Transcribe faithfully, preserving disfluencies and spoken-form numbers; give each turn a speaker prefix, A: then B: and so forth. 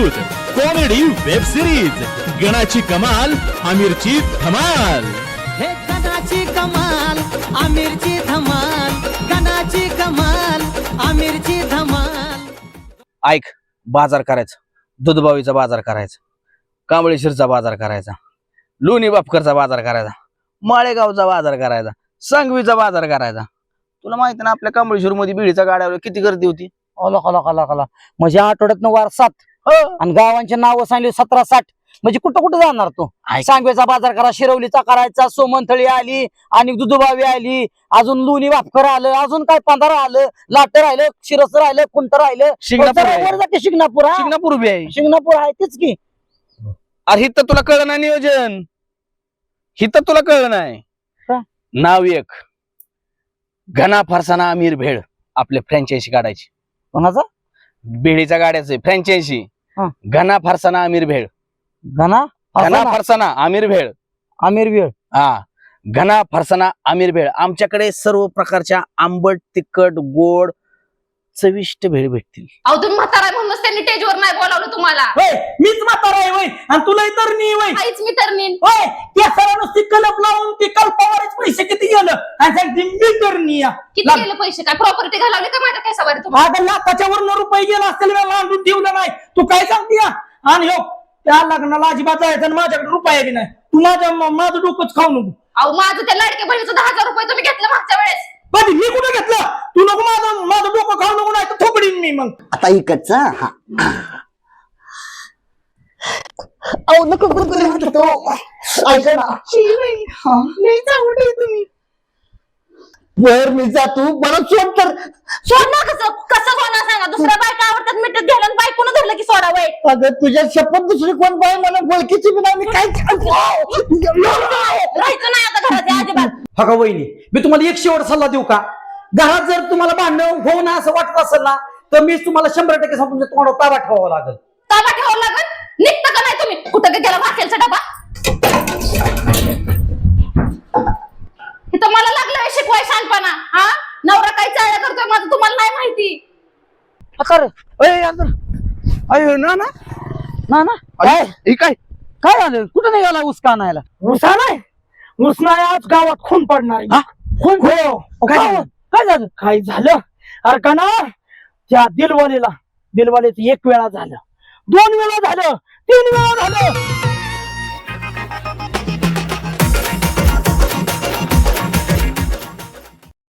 A: प्रस्तुत comedy web series गणाची कमाल आमिरची धमाल।
B: हे गणाची कमाल आमिरची धमाल, गणाची कमाल आमिरची धमाल।
C: ऐक, बाजार करायचा, दूधबावीचा बाजार करायचा, कांबळेश्वरचा बाजार करायचा, लोणी बापकरचा बाजार करायचा, माळेगावचा बाजार करायचा, सांगवीचा बाजार करायचा। तुला माहिती ना आपल्या कांबळेश्वर मध्ये बिडीच्या गाड्यावर किती गर्दी होती?
D: ओला कला कला कला म्हणजे आठवड्यात वार सात आणि गावांचे नाव सांगले सतरा साठ, म्हणजे कुठं कुठं जाणार तो? सांगवेचा बाजार करा, शिरवलीचा करायचा, सोमनथळी आली आणि दुधबावी आली, अजून लोणी वापकर आलं, अजून काय पंधरा आलं, लाट राहिलं, शिरस राहिलं, कुंट राहिलं,
C: शिंगणापूर
D: जाते शिंगणापूर हा?
C: शिंगणापूर उभी आहे।
D: शिंगणापूर आहे तेच की।
C: अरे हिथं तुला कळलं नाही नियोजन, हिथं तुला कळलं नाही।
D: का?
C: नाव एक घना फरसाना आमिर भेळ, आपले फ्रँचायझी काढायची।
D: कोणाचा?
C: भेळीच्या गाड्याचे फ्रँचायझी,
D: हा.
C: घना फरसाना आमिर भेळ,
D: घना
C: घना फरसाना आमिर भेळ,
D: आमिर वेळ
C: हा घना फरसाना आमिर भेळ। आमच्याकडे सर्व प्रकारच्या आंबट, तिखट, गोड, चविष्ट भेळ भेटतील।
E: अहो तुम्ही म्हातारा आहे म्हणूनच त्यांनी स्टेजवर नाही बोलावलं तुम्हाला।
D: मीच म्हातारा आहे वय आणि तुला तर नाही वय
E: आईच मी तर नीन
D: होय। त्या सरांनं ती कलप लावून ती कल्पावरच पैसे किती गेलं आणि सांगते मी तर नाही या।
E: किती गेले पैसे? काय प्रॉपर्टी घालवली का माझ्या केसावर तुम्हाला?
D: आता लाखाच्या वर रुपये गेला असतील मी मांडून ठेवलं नाही, तू काय सांगते या? आणि हो त्या लग्नाला अजिबात जायचं आणि माझ्याकडे रुपया बी नाही, तू माझ्या माझं डोकंच खाऊ नको।
E: अहो माझं त्या लाडक्या बहिणीचं दहा हजार रुपये तुम्ही घेतलं मागच्या वेळेस।
D: पण मी कुठं घेतलं? तू नको माझं माझं डोकं खाऊ नको, नाही तर थोपडीन मी मग।
F: आता इकडचा हा अहो नको तो ऐका ना तुम्ही वर मी जातो मला सोड तर
E: सोड ना। कसं कसं सोडणार सांगा? दुसऱ्या बायका आवडतात मिठीत घ्यायला आणि बायकोनं धरलं की सोडा वय।
F: अगं तुझ्या शपथ दुसरी कोण बाई मला बोलकीची बी नाही, मी काय
E: राहायचं नाही आता घरात या अजिबात।
D: हा का वहिनी, मी तुम्हाला एक शेवट सल्ला देऊ का? घरात जर तुम्हाला भांडण होऊ ना असं वाटत असेल ना तर मी तुम्हाला शंभर टक्के सांगतो तुमच्या तोंडावर ताबा ठेवावा लागेल।
E: ताबा ठेवावं लागल? निघतं का नाही तुम्ही? कुठं गेला वाकेलचा डबा? इथं मला लागलं शिकवाय शहाणपणा। हा नवरा काय चाळ्या करतोय माझं तुम्हाला नाही माहिती?
D: अयो ना ना ना ना काय काय काय झालं? कुठं निघाला उसका आणायला? उसा नाही, ऊस नाही, आज गावात खून पडणार आहे। खून? हो काय काय झालं? काय झालं? अरे का ना त्या दिलवालेला दिलवालेच एक वेळा झालं, दोन वेळा झालं, तीन वेळा झालं,